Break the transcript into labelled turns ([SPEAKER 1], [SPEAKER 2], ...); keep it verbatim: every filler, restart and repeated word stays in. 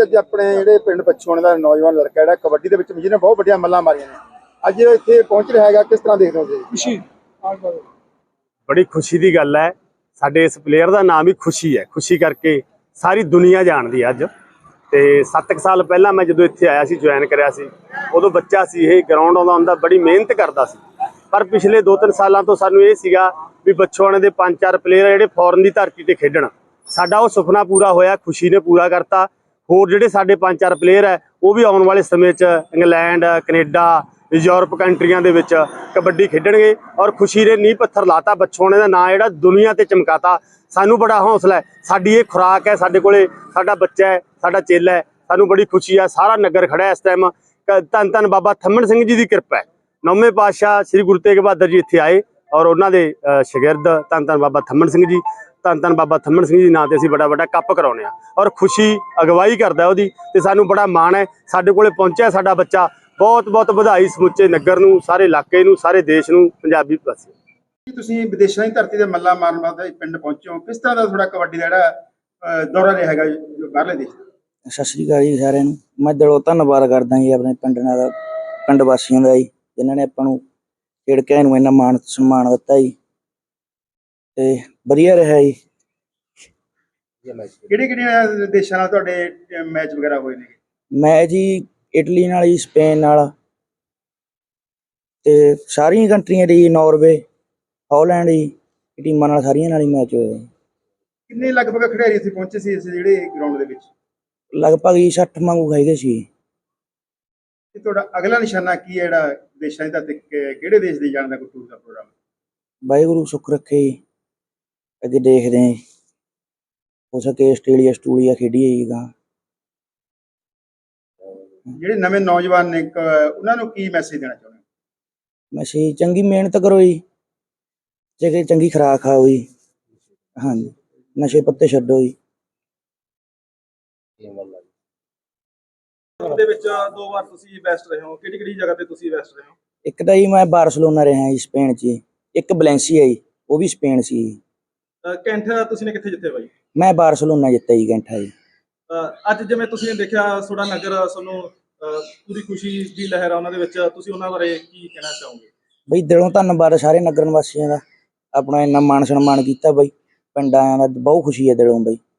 [SPEAKER 1] ਅੱਜ ਆਪਣੇ ਜਿਹੜੇ ਪਿੰਡ ਪੱਛੋਣ ਦਾ ਨੌਜਵਾਨ ਲੜਕਾ ਜਿਹੜਾ ਕਬੱਡੀ ਦੇ ਵਿੱਚ ਜਿਹਨੇ ਬਹੁਤ ਵੱਡੀਆਂ ਮੱਲਾਂ ਮਾਰੀਆਂ ਨੇ, ਅੱਜ ਇੱਥੇ ਪਹੁੰਚ ਰਿਹਾ ਹੈਗਾ, ਕਿਸ ਤਰ੍ਹਾਂ ਦੇਖਦੇ ਹੋ ਜੀ?
[SPEAKER 2] ਖੁਸ਼ੀ,
[SPEAKER 3] बड़ी खुशी की गल है। साडे इस प्लेयर का नाम ही खुशी है। खुशी करके सारी दुनिया जानती है। अज तो सत्त क साल पहला मैं जो इत्थे आया सी, ज्वाइन कराया सी, उदों बच्चा सी, ये ग्राउंड आउंदा हुंदा बड़ी मेहनत करता सी। पर पिछले दो तीन सालों तो सानू ये सीगा भी बच्छोआणे दे पंज चार प्लेयर जिहड़े फॉरन की धरती ते खेडण, साडा वो सुपना पूरा होया, खुशी ने पूरा करता। होर जिहड़े साडे पंज चार प्लेयर है वो भी आने वाले समय च इंग्लैंड, कनेडा, यूरोप कंट्रियां दे विच कबड्डी खेडणगे और खुशी ने नींह पत्थर लाता। बच्छोआणे दा नां जिहड़ा दुनिया ते चमकाता। सानू बड़ा हौसला है, साडी ये खुराक है, साडे कोले साडा बच्चा है, साडा चेला है, सानू बड़ी खुशी है। सारा नगर खड़ा है इस टाइम। धन धन बाबा थम्मण सिंह जी की कृपा है। नौवें पातशाह श्री गुरु तेग बहादुर जी इत्थे आए और उन्हां दे शागिर्द धन धन बाबा थम्मण सिंह जी, धन धन बाबा थम्मण सिंह जी नां ते असीं बड़ा बड़ा कप कराउने आ और खुशी अगवाई करदा ओहदी ते सानू बड़ा माण है। साडे कोले पहुंचा साडा बच्चा, बहुत बहुत ਵਧਾਈ ਸਮੁੱਚੇ ਨਗਰ ਨੂੰ, ਸਾਰੇ ਇਲਾਕੇ ਨੂੰ, ਸਾਰੇ ਦੇਸ਼ ਨੂੰ, ਪੰਜਾਬੀ ਪਾਸੇ।
[SPEAKER 1] ਤੁਸੀਂ ਵਿਦੇਸ਼ਾਂ ਦੀ ਧਰਤੀ ਤੇ ਮੱਲਾਂ ਮਾਰਨ ਵਾਸਤੇ ਪਿੰਡ ਪਹੁੰਚੇ ਹੋ, ਕਿਸ ਤਰ੍ਹਾਂ ਦਾ ਤੁਹਾਡਾ ਕਬੱਡੀ ਦਾ ਜਿਹੜਾ ਦੌਰਾ ਰਿਹਾ ਹੈਗਾ ਬਾਹਰਲੇ ਦੇਸ਼?
[SPEAKER 4] ਸਤਿ ਸ਼੍ਰੀ ਅਕਾਲ ਜੀ ਸਾਰਿਆਂ ਨੂੰ। ਮੈਂ ਦਿਲੋਂ ਧੰਨਵਾਦ ਕਰਦਾ ਜੀ ਆਪਣੇ ਪਿੰਡ ਨਾਲ ਪਿੰਡ ਵਾਸੀਆਂ ਦਾ ਜੀ, ਜਿਨ੍ਹਾਂ ਨੇ ਆਪਾਂ ਨੂੰ ਖੇਡ ਕੇ ਨੂੰ ਇੰਨਾ ਮਾਣ ਸਨਮਾਨ ਦਿੱਤਾ ਜੀ ਤੇ ਵਧੀਆ ਰਿਹਾ ਜੀ।
[SPEAKER 1] ਕਿਹੜੇ ਕਿਹੜੇ ਦੇਸ਼ਾਂ ਨਾਲ ਤੁਹਾਡੇ ਮੈਚ ਵਗੈਰਾ ਹੋਏ ਨੇ?
[SPEAKER 4] ਮੈਂ ਜੀ ਇਟਲੀ ਨਾਲ ਜੀ, ਸਪੇਨ ਨਾਲ ਤੇ ਸਾਰੀਆਂ ਕੰਟਰੀਆਂ ਦੀ, ਨਾਰਵੇ, ਹਾਲੈਂਡ ਜੀ, ਟੀਮਾਂ ਨਾਲ ਸਾਰੀਆਂ ਨਾਲ ਹੀ ਮੈਚ ਹੋਇਆ।
[SPEAKER 1] ਕਿੰਨੇ ਲਗਭਗ ਖਿਡਾਰੀ ਇੱਥੇ ਪਹੁੰਚੇ ਸੀ ਇਸ ਜਿਹੜੇ ਗਰਾਊਂਡ ਦੇ ਵਿੱਚ?
[SPEAKER 4] ਲਗਭਗ ਜੀ ਸੱਠ ਵਾਂਗੂ ਖਾਈਦੇ ਸੀ।
[SPEAKER 1] ਤੇ ਤੁਹਾਡਾ ਅਗਲਾ ਨਿਸ਼ਾਨਾ ਕੀ ਹੈ ਜਿਹੜਾ ਦੇਸ਼ਾਂ ਦਾ, ਕਿਹੜੇ ਦੇਸ਼ ਦੇ ਜਾਣ ਦਾ ਕੋਈ ਟੂਰ ਦਾ ਪ੍ਰੋਗਰਾਮ?
[SPEAKER 4] ਵਾਹਿਗੁਰੂ ਸੁੱਖ ਰੱਖੇ ਜੀ, ਅੱਗੇ ਦੇਖਦੇ ਹਾਂ। ਹੋ ਸਕੇ ਆਸਟ੍ਰੇਲੀਆ ਆਸਟ੍ਰੇਲੀਆ ਖੇਡੀਏ ਜੀ ਗਾਂ।
[SPEAKER 1] ਜਿਹੜੇ ਨਵੇਂ ਨੌਜਵਾਨ ਨੇ ਉਹਨਾਂ ਨੂੰ ਕੀ ਮੈਸੇਜ ਦੇਣਾ ਚਾਹੁੰਦੇ?
[SPEAKER 4] ਮੈਸੇਜ ਚੰਗੀ ਮਿਹਨਤ ਕਰੋ ਜੀ, ਜੇ ਚੰਗੀ ਖੁਰਾਕ ਖਾਓ ਜੀ, ਹਾਂਜੀ, ਨਸ਼ੇ ਪੱਤੇ ਛੱਡੋ ਜੀ।
[SPEAKER 2] ਦੇ ਵਿੱਚ ਦੋ ਵਾਰ ਤੁਸੀਂ ਬੈਸਟ ਰਹੇ ਹੋ, ਕਿਹੜੀ ਕਿਹੜੀ ਜਗ੍ਹਾ ਤੇ ਤੁਸੀਂ ਬੈਸਟ ਰਹੇ ਹੋ?
[SPEAKER 4] ਇੱਕ ਤਾਂ ਜੀ ਮੈਂ ਬਾਰਸਲੋਨਾ ਰਿਹਾ ਜੀ ਸਪੇਨ 'ਚ, ਇੱਕ ਵੈਲੈਂਸੀਆ ਜੀ, ਉਹ ਵੀ ਸਪੇਨ ਸੀ।
[SPEAKER 2] ਕੈਂਠ ਤੁਸੀਂ ਨੇ ਕਿੱਥੇ ਜਿੱਤੇ ਬਾਈ?
[SPEAKER 4] ਮੈਂ ਬਾਰਸਲੋਨਾ ਜਿੱਤਿਆ ਜੀ ਕੈਂਠਾ ਜੀ।
[SPEAKER 2] ਅੱਜ ਜਿਵੇਂ ਤੁਸੀਂ ਦੇਖਿਆ ਤੁਹਾਡਾ ਨਗਰ, ਤੁਹਾਨੂੰ ਪੂਰੀ ਖੁਸ਼ੀ ਦੀ ਲਹਿਰ ਆ ਉਹਨਾਂ ਦੇ ਵਿੱਚ, ਤੁਸੀਂ ਉਹਨਾਂ ਬਾਰੇ ਕੀ ਕਹਿਣਾ ਚਾਹੋਗੇ?
[SPEAKER 4] ਬਈ ਦਿਲੋਂ ਧੰਨਵਾਦ ਸਾਰੇ ਨਗਰ ਨਿਵਾਸੀਆਂ ਦਾ, ਆਪਣਾ ਇੰਨਾ ਮਾਣ ਸਨਮਾਨ ਕੀਤਾ ਬਈ, ਪਿੰਡਾਂ ਦਾ ਬਹੁਤ ਖੁਸ਼ੀ ਹੈ ਦਿਲੋਂ ਬਈ।